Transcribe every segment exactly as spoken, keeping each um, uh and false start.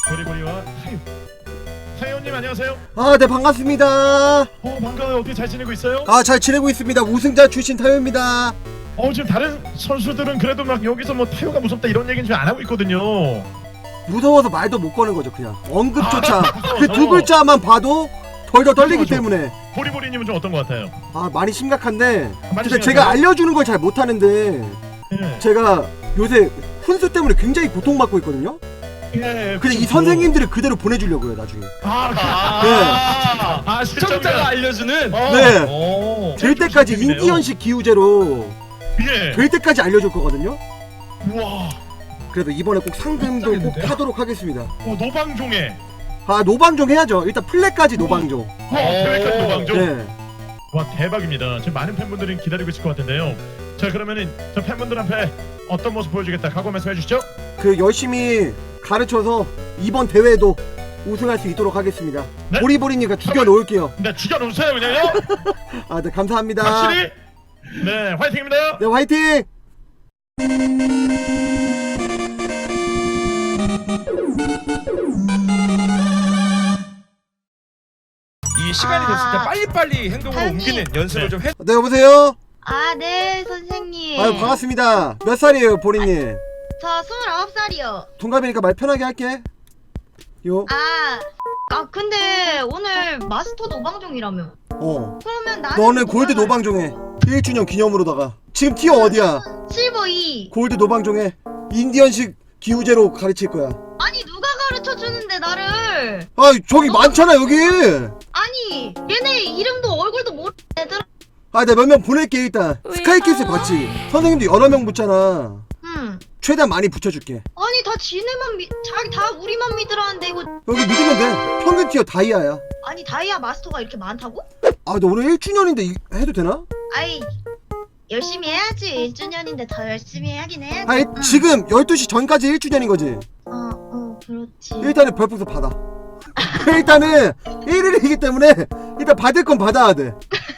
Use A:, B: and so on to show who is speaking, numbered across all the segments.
A: 보리보리와 타요. 타요님 안녕하세요.
B: 아, 네, 반갑습니다.
A: 어 반가워요. 어떻게 잘 지내고 있어요?
B: 아, 잘 지내고 있습니다. 우승자 출신 타요입니다.
A: 어 지금 다른 선수들은 그래도 막 여기서 뭐 타요가 무섭다 이런 얘기는 지금 안 하고 있거든요.
B: 무서워서 말도 못 거는 거죠, 그냥. 언급조차.
A: 아,
B: 그 두 글자만 봐도 덜덜 떨리기
A: 그렇죠.
B: 때문에.
A: 보리보리님은 좀 어떤 것 같아요?
B: 아, 많이 심각한데.
A: 많이
B: 근데
A: 심각해요?
B: 제가 알려주는 걸 잘 못하는데.
A: 예.
B: 제가 요새 훈수 때문에 굉장히 고통받고 있거든요.
A: 예.
B: 근데 이
A: 그렇죠.
B: 선생님들을 그대로 보내주려고요, 나중에.
A: 아,
C: 아,
B: 네.
A: 아
C: 시청자가 알려주는.
A: 어.
B: 네.
C: 오.
B: 될 때까지
A: 선생님이네요.
B: 인디언식 기우제로
A: 예.
B: 될 때까지 알려줄 거거든요.
A: 우와.
B: 그래도 이번에 꼭 상금도 꼭
A: 깜짝이야.
B: 하도록 하겠습니다.
A: 어, 노방종에.
B: 아, 노방종 해야죠. 일단 플랫까지 노방종.
A: 어, 대회까지 노방종.
B: 네.
A: 와 대박입니다. 지금 많은 팬분들이 기다리고 있을 것 같은데요. 자 그러면은 저 팬분들 앞에 어떤 모습 보여주겠다 각오 말씀해 주시죠.
B: 그 열심히 가르쳐서 이번 대회에도 우승할 수 있도록 하겠습니다.
A: 네?
B: 보리보리니까 죽여놓을게요.
A: 네 죽여놓으세요 그냥요.
B: 아, 네, 감사합니다.
A: 확실히. 네 화이팅입니다.
B: 네, 화이팅!
C: 이 시간이 됐을 때
D: 아.
C: 빨리빨리 행동으로
D: 타요님.
C: 옮기는 연습을
A: 네.
C: 좀 해.
B: 네, 여보세요?
D: 아, 네, 선생님.
B: 아유, 반갑습니다. 몇 살이에요, 보리님?
D: 저 스물아홉 살이요.
B: 동갑이니까 말 편하게 할게. 요.
D: 아, 아, 근데 오늘 마스터 노방종이라며.
B: 어.
D: 그러면 나는.
B: 너는
D: 뭐가
B: 골드
D: 나-
B: 노방종해. 일 주년 기념으로다가. 지금 티어 어디야?
D: 실버 이.
B: 골드 노방종해. 인디언식 기우제로 가르칠 거야.
D: 아니, 누가 가르쳐 주는데, 나를.
B: 아, 저기 많잖아, 여기!
D: 아니, 얘네 이름도 얼굴도 모르는 애들.
B: 아, 내가 몇 명 보낼게, 일단. 스카이캐슬 봤지? 선생님도 여러 명 붙잖아.
D: 응.
B: 최대한 많이 붙여줄게.
D: 아니, 다 지네만 믿, 자기 다 우리만 믿으라는데, 이거.
B: 여기 믿으면 돼. 평균 티어 다이아야.
D: 아니, 다이아 마스터가 이렇게 많다고?
B: 아, 너 오늘 일 주년인데 이, 해도 되나?
D: 아이, 열심히 해야지. 일 주년인데 더 열심히 하긴 해야지.
B: 아니,
D: 응.
B: 지금 열두 시 전까지 일 주년인 거지?
D: 어, 어, 그렇지.
B: 일단은 별풍선 받아. 일단은 일 일이기 때문에 일단 받을 건 받아야 돼.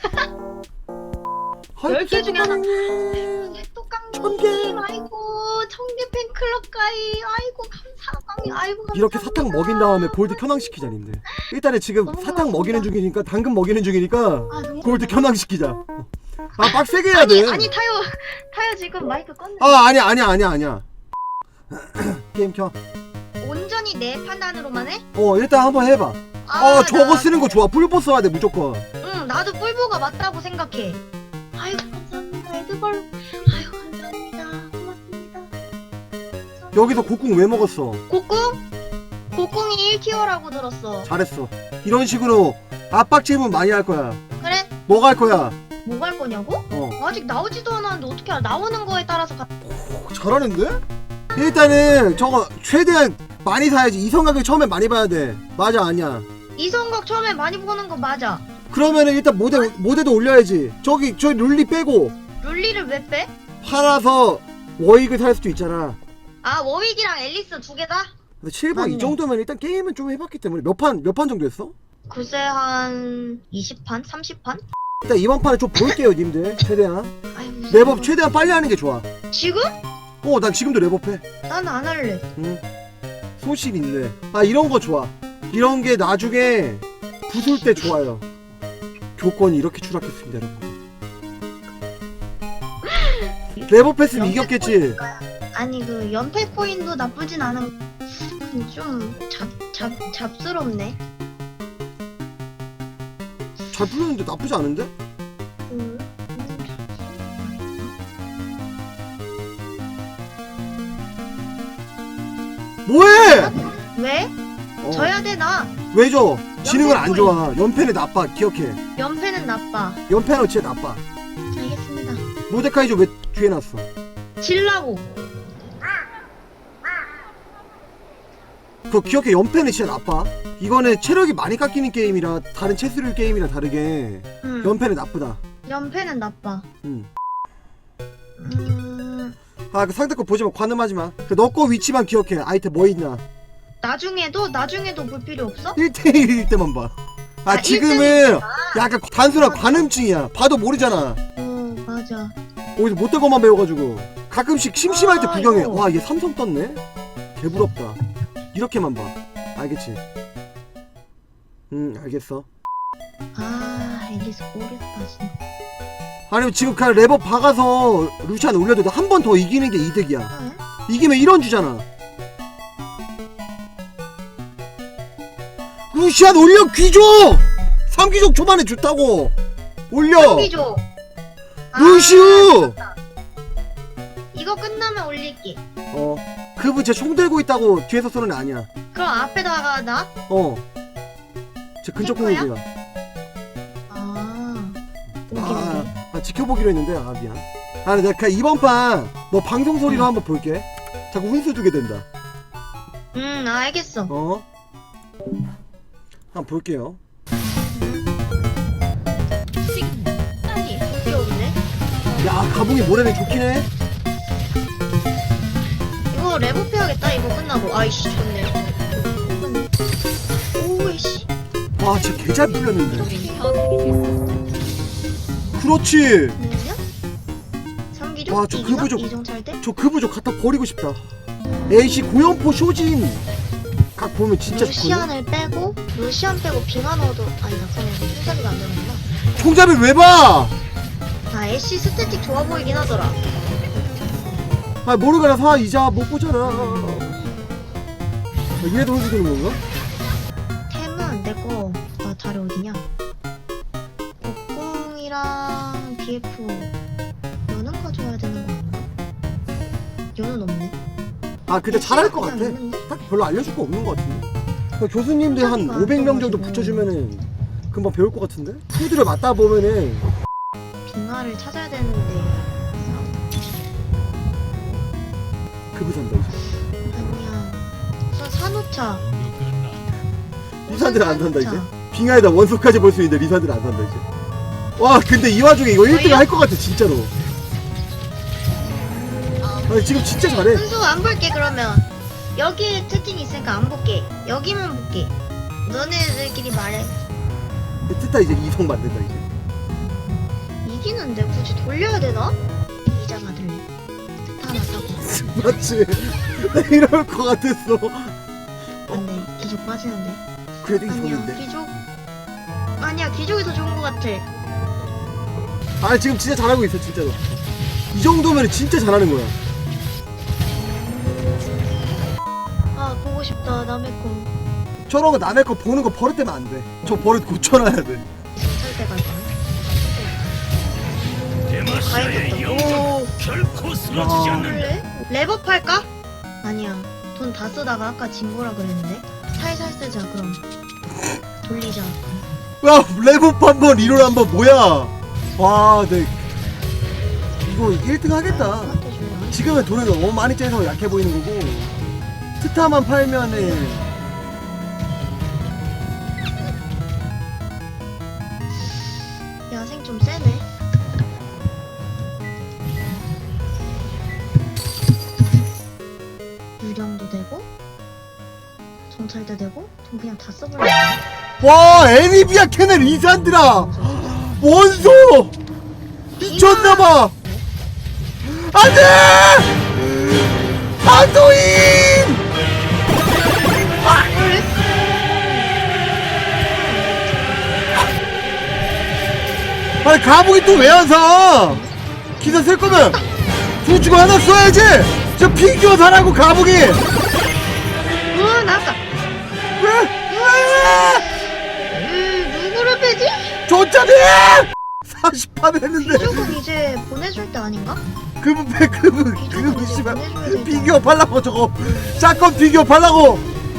D: 열 개 중에 하나.
B: 천
D: 색도깡님, 아이고, 청계 팬클럽 가이, 아이고, 감사합니다. 아이고, 감사합니다.
B: 이렇게 사탕 먹인 다음에 골드 켜낭시키자, 님들. 일단은 지금
D: 너무
B: 사탕
D: 고맙습니다.
B: 먹이는 중이니까, 당근 먹이는 중이니까
D: 아, 너무
B: 골드
D: 고마워.
B: 켜낭시키자. 아, 빡세게 해야
D: 아니,
B: 돼.
D: 아니, 타요, 타요 지금 마이크 껐네.
B: 아, 아니야, 아니야, 아니야, 아니야. 게임 켜.
D: 온전히 내 판단으로만 해?
B: 어, 일단 한번 해봐.
D: 아,
B: 어, 저거
D: 나-
B: 쓰는 거 좋아. 뿔보 써야 돼, 무조건.
D: 응, 나도 뿔보가 맞다고 생각해. 아이고, 감사합니다. 에드벌. 아이고, 감사합니다. 고맙습니다.
B: 여기서 곡궁 왜 먹었어?
D: 곡궁? 곡궁이 일 티어라고 들었어.
B: 잘했어. 이런 식으로 압박 질문 많이 할 거야.
D: 그래?
B: 뭐 갈 거야?
D: 뭐 갈 거냐고?
B: 어.
D: 아직 나오지도 않았는데 어떻게 알아? 나오는 거에 따라서 가...
B: 오, 잘하는데? 일단은 저거 최대한 많이 사야지. 이성각을 처음에 많이 봐야 돼. 맞아, 아니야.
D: 이성각 처음에 많이 보는 거 맞아.
B: 그러면은 일단 모대 모대도 올려야지. 저기 저 룰리 빼고
D: 룰리를 왜 빼?
B: 팔아서 워익을 살 수도 있잖아.
D: 아, 워윅이랑 앨리스 두 개다?
B: 근데 실버 이
D: 맞네.
B: 정도면 일단 게임은 좀 해봤기 때문에 몇 판 몇 판 정도 했어?
D: 글쎄 한 이십 판? 삼십 판?
B: 일단 이번 판은 좀 볼게요, 님들. 최대한
D: 아이고,
B: 랩업 최대한 빨리 하는 게 좋아.
D: 지금?
B: 어, 난 지금도 랩업해.
D: 난 안 할래.
B: 응. 소실 있네. 아, 이런 거 좋아. 이런 게 나중에 부술 때 좋아요. 교권이 이렇게 추락했습니다, 여러분들. 랩업했으면 이겼겠지.
D: 아니 그 연패 코인도 나쁘진 않은. 근데 좀잡잡 잡스럽네.
B: 잘 풀렸는데 나쁘지 않은데?
D: 음.
B: 뭐해?
D: 왜?
B: 어.
D: 져야 돼 나.
B: 왜 줘? 지능은 안
D: 연패
B: 좋아. 연패는 나빠. 기억해.
D: 연패는 나빠.
B: 연패는 진짜 나빠.
D: 알겠습니다.
B: 모데카이저 왜 뒤에 놨어?
D: 질라고.
B: 그거 기억해. 연패는 진짜 나빠. 이거는 체력이 많이 깎이는 게임이라 다른 체스룰 게임이랑 다르게
D: 응.
B: 연패는 나쁘다.
D: 연패는 나빠.
B: 응.
D: 음.
B: 아, 그 상대 거 보지 마. 관음하지 마. 그 너 거 위치만 기억해. 아이템 뭐 있나.
D: 나중에도 나중에도 볼 필요 없어?
B: 일 대일일 때만 봐. 아,
D: 아,
B: 지금은
D: 일
B: 약간 단순한 관음증이야. 봐도 모르잖아.
D: 어, 맞아.
B: 어디서 못된 것만 배워가지고. 가끔씩 심심할 때
D: 아,
B: 구경해.
D: 이거.
B: 와, 얘 삼성 떴네? 개부럽다. 이렇게만 봐. 알겠지? 응 알겠어.
D: 아 앨리스 모르겠다 진짜.
B: 아니면 지금 그냥 레버 박아서 루시안 올려도 한 번 더 이기는 게 이득이야.
D: 응?
B: 이기면 일 원 주잖아. 루시안 올려 귀족! 삼 귀족 초반에 좋다고! 올려!
D: 삼기조.
B: 루시우!
D: 이거 끝나면 올릴게.
B: 어 그분 쟤 총 들고 있다고 뒤에서 쏘는 애 아니야.
D: 그럼 앞에다가 나?
B: 어. 쟤 근접
D: 할 거야?
B: 공격이야.
D: 아 오케이
B: 아,
D: 오케이.
B: 아 지켜보기로 했는데 아 미안. 아 내가 그냥 이번 판 너 방송 소리로 한번 볼게. 자꾸 훈수 두게 된다.
D: 음 알겠어.
B: 어? 한번 볼게요.
D: 빨리 여기 없네.
B: 야 가봉이 모래는 좋긴 해.
D: 이거 레버 해야겠다. 이거 끝나고. 아이씨 좋네. 오이씨.
B: 와쟤 개 잘 풀렸는데. 그렇지.
D: 뭐냐? 삼기조?
B: 와, 저
D: 이기나?
B: 그부족.
D: 이정찰 때?
B: 저 그부족 갖다 버리고 싶다. 에이씨 고연포 쇼진 각 보면 진짜 좋거든.
D: 루시안을 빼고 루시안 빼고 빙하 넣어도 아니다. 그러면 손잡이가 안 되는구나.
B: 총잡이 왜 봐?
D: 아 애쉬 스태틱 좋아 보이긴 하더라.
B: 아 모르가나 사 이자 못 보잖아. 아, 이래도 훈수 두는 건가?
D: 템은 내거 나 다리 어디냐? 복궁이랑 비에프 연은 가져와야 되는 거 아닌가? 연은 없네.
B: 아 근데 잘할 것 같아.
D: 그냥 있는데?
B: 딱 별로 알려줄 거 없는 것 같은데. 그러니까 교수님들 한
D: 안
B: 오백 명 정도
D: 써가지고.
B: 붙여주면은 금방 배울 것 같은데? 푸드를 맞다 보면은
D: 빙하를 찾아야 되는데
B: 그부 산다 이제.
D: 아니야. 저 산호차.
B: 리산들 안 산다 이제.
D: 산호차.
B: 빙하에다 원소까지 볼 수 있는데 리산들 안 산다 이제. 와 근데 이 와중에 이거 일 등 할 것 같아 진짜로. 아니 지금 진짜 잘해.
D: 순수 안 볼게 그러면. 여기에 채팅이 있으니까 안 볼게. 여기만 볼게. 너네들끼리 말해.
B: 뜻다 이제 이성 만든다 이제.
D: 이기는데 굳이 돌려야 되나? 이자 받을래. 스타 하나 사고.
B: 맞지? 나 이럴 것 같았어.
D: 안돼. 귀족 빠지는데.
B: 그래도
D: 아니야.
B: 이성인데.
D: 귀족. 아니야. 귀족이 더 좋은 것 같아.
B: 아 지금 진짜 잘하고 있어 진짜로. 이 정도면 진짜 잘하는 거야.
D: 아 보고 싶다. 남의 거.
B: 저런 거 남의 거 보는 거 버릇되면 안 돼. 저 버릇 고쳐놔야 돼.
D: 살때 갈 거야. 가야겠다. 오.
E: 결코 쓰러지지
B: 야.
E: 않는다.
D: 그래? 랩업 할까? 아니야. 돈 다 쓰다가 아까 진 거라 그랬는데. 살살 쓰자 그럼. 돌리자.
B: 야 레브 한번 리롤 한번 뭐야? 와, 네. 이거 일 등 하겠다.
D: 나한테 줄래?
B: 지금은 돈을 너무 많이 째서 약해 보이는 거고 스타만 팔면은
D: 야생 좀 세네. 유령도 되고 정찰도 되고 돈 그냥 다 써버려.
B: 와 애니비아 캐넬 리산드라 원소 미쳤나봐. 안돼 한도인. 아니 가복이 또 왜 안 사? 기사 쓸 거면 두 주고 하나 써야지. 저 피규어 사라고 가복이. 왜?
D: 어 나왔다.
B: 왜?
D: 음 누구를 빼지?
B: 좋잖니. 사십 판 했는데
D: 귀족은 이제 보내줄 때 아닌가?
B: 그분 패 그분
D: 귀족은
B: 그분
D: 이제
B: 씨발
D: 보내줘야 되잖아.
B: 피규어 팔라고 저거 샷건 피규어 팔라고.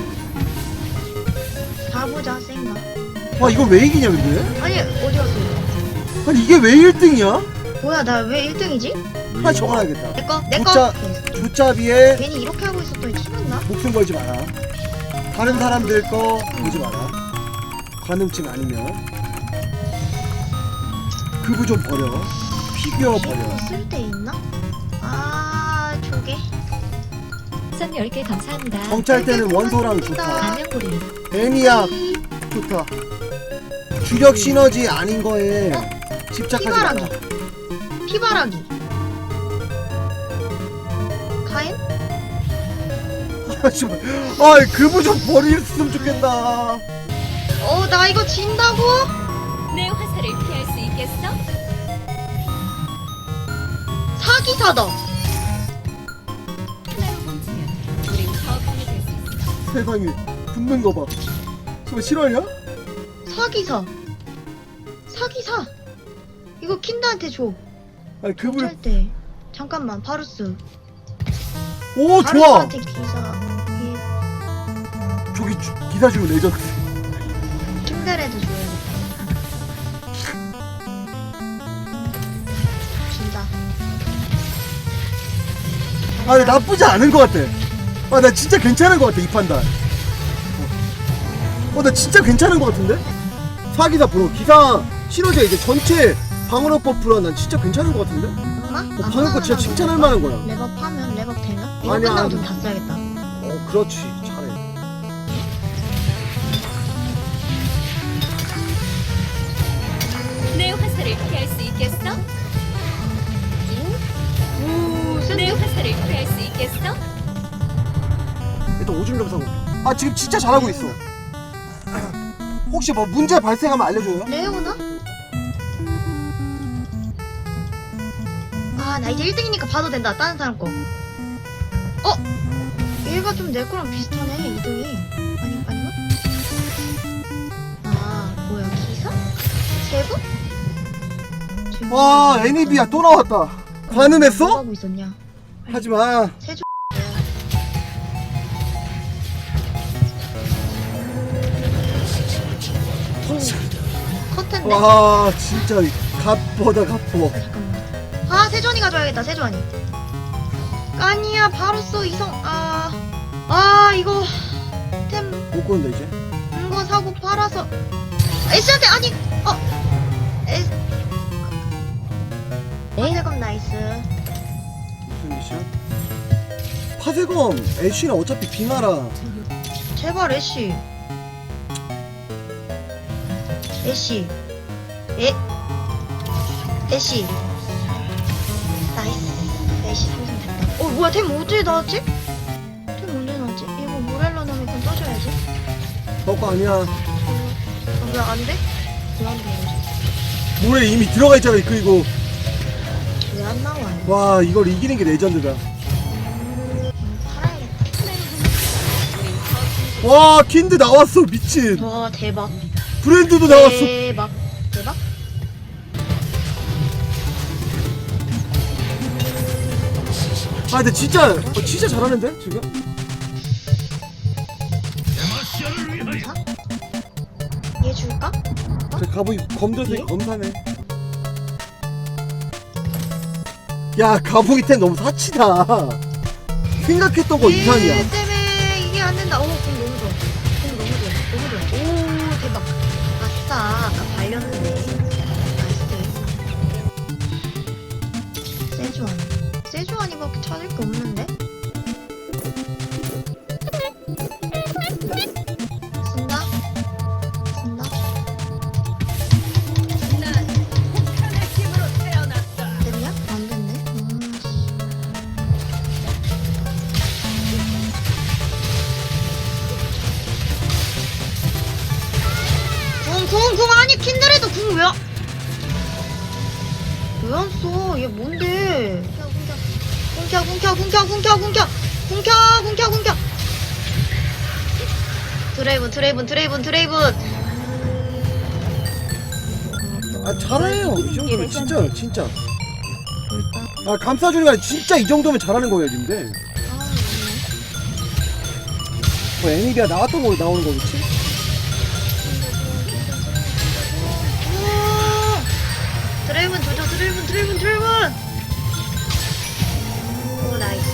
D: 가보자 센가.
B: 와 이걸 왜 이기냐 근데?
D: 아니 어디 갔어?
B: 아니 이게 왜 일 등이야?
D: 뭐야 나 왜 일 등이지?
B: 하나 적어놔야겠다.
D: 내꺼 내꺼.
B: 조짜- 조짜비에
D: 괜히 이렇게 하고 있었더니 티났나?
B: 목숨 걸지 마라. 다른 사람들 거 보지 마라. 관음증 아니면 그부 좀 버려. 피규어 버려.
D: 쓸데 있나? 아 조개.
F: 선 열 개 감사합니다.
B: 정찰 때는 원소랑 좋다.
F: 가면고리.
B: 애니악 좋다. 주력 시너지 아닌 거에 집착하지 마라.
D: 피바라기. 피바라기. 카엔?
B: 씨발. 아 그분 좀 버렸으면 좋겠다.
D: 어, 나 이거 진다고?
F: 내 화살을 피할 수 있겠어?
D: 사기사다.
F: 하나로 뭉치면 우린 더 강해질 수 있어.
B: 세상에 붙는 거 봐. 저거 실화냐?
D: 사기사. 사기사. 이거 킨드한테 줘.
B: 아니 그분.
D: 할 때. 잠깐만, 바루스.
B: 오 좋아.
D: 바루스한테 기사. 이
B: 저기 주, 기사 주면 레전드.
D: 킨드레도 줘야겠다. 준다.
B: 아 근데 나쁘지 않은 것 같아. 아 나 진짜 괜찮은 것 같아 이 판단. 어 나 진짜 괜찮은 것 같은데? 사기사 프로 기사 실어져 이제 전체 방어력 버프라 난 진짜 괜찮은 것 같은데?
D: 엄마?
B: 어, 방금 거 진짜 칭찬할 만한 거야.
D: 레벨 파면 레벨 되나? 이거
B: 아니야,
D: 끝나고
B: 아니.
D: 좀 다 써야겠다.
B: 어 그렇지 잘해.
F: 내 화살을 피할 수 있겠어?
D: 오,
F: 내
D: 센데?
F: 화살을 피할 수 있겠어?
B: 일단 오줌 좀 싸고. 아 지금 진짜 잘하고 있어. 혹시 뭐 문제 발생하면 알려줘요?
D: 레오나? 아, 나 이제 일 등이니까 봐도 된다. 다른 사람 거. 어? 얘가 좀 내 거랑 비슷하네, 이 등이. 아니, 아닌가? 아, 뭐야, 기사? 세부? 지금
B: 와 애니비야 또 나왔다.
D: 뭐
B: 가늠했어?
D: 하고 있었냐?
B: 하지마.
D: 세주. 컷텐데?
B: 와 진짜 갓보다 갓보.
D: 잠깐만. 아, 세주환이 가져야겠다, 세주환이. 아니야, 바로써 이성, 아. 아, 이거. 템,
B: 못 고른다 이제.
D: 이거 사고 팔아서. 애쉬한테, 아니, 어. 애. 파세검 나이스.
B: 무슨 미션? 파세검 애쉬는 어차피 빙하라.
D: 제발, 애쉬. 애쉬. 에. 애쉬. 나이스. 애쉬 생성됐다. 어, 뭐야, 템 언제 나왔지? 템 언제 나왔지? 이거 모렐로 놈이 건 떠줘야지.
B: 너거 아니야.
D: 어, 왜 안 돼? 왜 안 돼, 이러지?
B: 물에 이미 들어가 있잖아 그리고.
D: 왜 안 나와?
B: 와 이걸 이기는 게 레전드다.
D: 음, 팔아야겠다.
B: 와 킨드 나왔어 미친.
D: 와, 대박.
B: 브랜드도 나왔어.
D: 대박. 대박?
B: 아 근데 진짜 어, 진짜 잘하는데 지금?
D: 검사? 얘 줄까?
B: 저 가보이 검정색
D: 예?
B: 검사네. 야 가보이 템 너무 사치다. 생각했던 거 이상이야.
D: 얘 때문에 이게 안 된다. 오, 공 너무 좋아. 공 너무 좋아. 너무 좋아. 오, 대박. 아싸. 아까 발렸는데. 나이스. 세주안. 세주안이밖에 찾을 게 없는데? 쓴다? 쓴다? 됐냐? 안 됐네. 궁, 궁, 궁, 아니, 킨드레도 궁 왜, 왜 안 써? 얘 뭔데? 궁켜, 궁켜, 궁켜, 궁켜, 궁켜, 궁켜, 궁켜, 궁켜. 드레이븐, 드레이븐, 드레이븐, 드레이븐.
B: 아 잘해요 이 정도면 진짜 진짜. 아 감싸주는 게 아니라 진짜 이 정도면 잘하는 거예요 근데. 뭐 애니비아 나왔던 거 나오는 거겠지?
D: 드레이븐 조져, 드레이븐, 드레이븐, 드레이븐. 오, 나이스.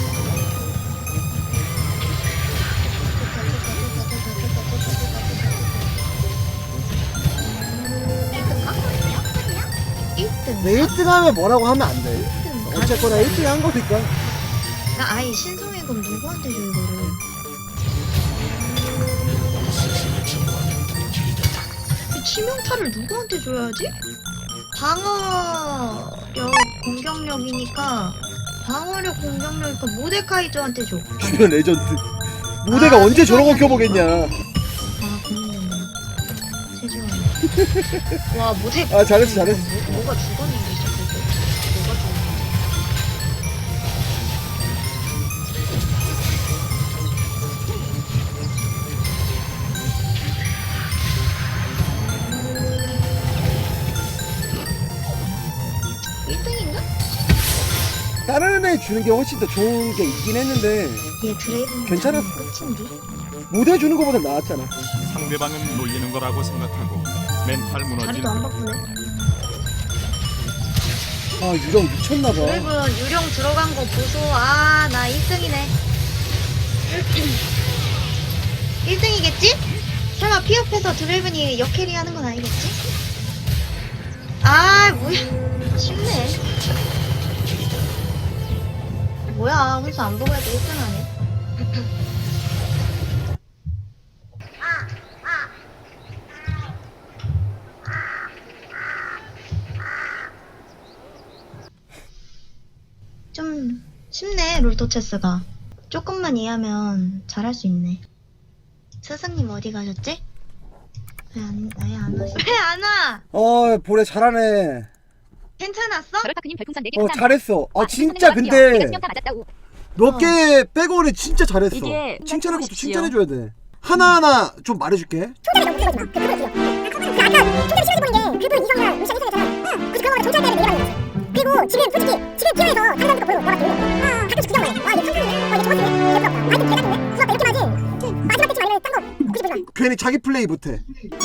D: 일 등?
B: 내 일 등 하면 뭐라고 하면 안 돼.
D: 일 등.
B: 어쨌거나 일 등 한 거니까.
D: 나 아예 신성의 검 누구한테 줘 이거를? 이 치명타를 누구한테 줘야지? 방어력, 공격력이니까 방어력, 공격력이니까 모데카이저한테 줘.
B: 주변 레전드. 모대가
D: 아,
B: 언제 저런 거
D: 세조안이
B: 켜보겠냐.
D: 아 고민된다. 세조안이. 와 모대.
B: 아, 잘했어, 잘했어.
D: 뭐, 뭐가 죽었는데 시작할 때? 뭐가 죽었는데? 일 등인가?
B: 다른 애 주는 게 훨씬 더 좋은 게 있긴 했는데
D: 얘 드레이븐
B: 괜찮았어.
D: 끝인데?
B: 모대 주는 거보다 나았잖아.
E: 상대방은 놀리는 거라고 생각하고 멘탈 무너진
D: 자리도 안 바꾸네.
B: 아, 유령 미쳤나봐.
D: 드래곤 유령 들어간 거 보소. 아, 나 일 등이네. 일 등이겠지? 설마 피업해서 드래곤이 역캐리 하는 건 아니겠지? 아, 뭐야. 쉽네. 뭐야, 혼수 안 보고 해도 일 등 하네. 좀 쉽네, 롤토체스가. 조금만 이해하면 잘할 수 있네. 스승님 어디 가셨지? 왜 안, 왜 안 왔어? 왜 안 와?
B: 어, 보래 잘하네.
D: 괜찮았어?
F: 버릇파크님 별풍선 네 개
B: 어,
F: 감사합니다.
B: 잘했어. 아,
F: 와,
B: 진짜
F: 선생님
B: 근데
F: 내가 수명타 맞았다고.
B: 몇 개 빼고는 진짜 잘했어.
F: 이게
B: 칭찬할 것도
F: 보십시오.
B: 칭찬해줘야 돼. 하나하나 좀 말해줄게. 괜히 자기 플레이 못해.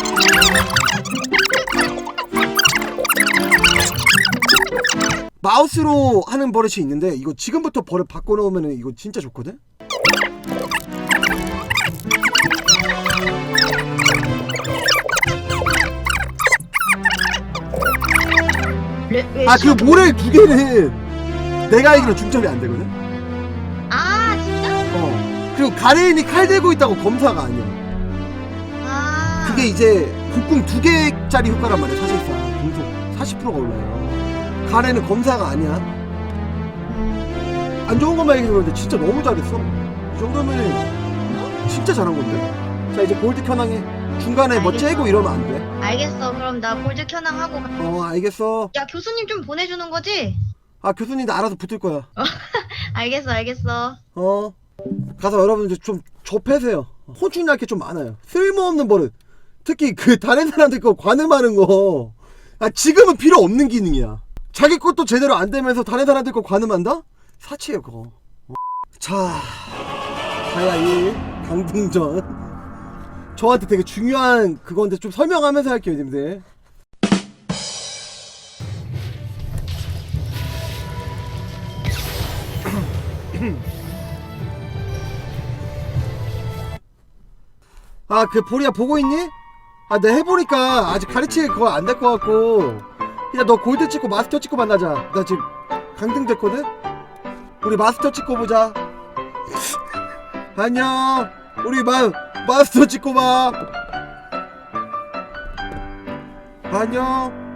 B: 마우스로 하는 버릇이 있는데 이거 지금부터 버릇 바꿔놓으면 이거 진짜 좋거든?
D: 레, 왜
B: 아, 그
D: 시작-
B: 모래 두 개는 내가 알기로 중점이 안 되거든?
D: 아, 진짜?
B: 어. 그리고 가레인이 칼 들고 있다고 검사가 아니야.
D: 아.
B: 그게 이제 국궁 두 개짜리 효과란 말이야, 사실상. 공속 사십 퍼센트가 올라요. 가레는 검사가 아니야.
D: 음,
B: 안 좋은 것만 얘기해서 그런데 진짜 너무 잘했어. 이 정도면 진짜 잘한 건데? 자, 이제 골드 켜낭해. 중간에 뭐
D: 알겠어.
B: 째고 이러면 안 돼.
D: 알겠어. 그럼 나 골드 켜낭하고. 가-
B: 어, 알겠어.
D: 야, 교수님 좀 보내주는 거지?
B: 아, 교수님도 알아서 붙을 거야.
D: 알겠어, 알겠어.
B: 어. 가서 여러분들 좀 접해세요. 혼쭐날 게 좀 많아요. 쓸모없는 버릇. 특히 그 다른 사람들 거 관음하는 거. 아, 지금은 필요 없는 기능이야. 자기 것도 제대로 안 되면서 다른 사람들 거 관음한다? 사치예요, 그거. 어. 자, 가야 일 강등전. 저한테 되게 중요한 그건데 좀 설명하면서 할게요, 님들. 아, 그 보리야 보고 있니? 아, 내가 해보니까 아직 가르치기 그거 안 될 것 같고 그냥 너 골드 찍고 마스터 찍고 만나자. 나 지금 강등 됐거든? 우리 마스터 찍고 보자. 안녕. 우리 마, 마스터 찍고 봐. 안녕.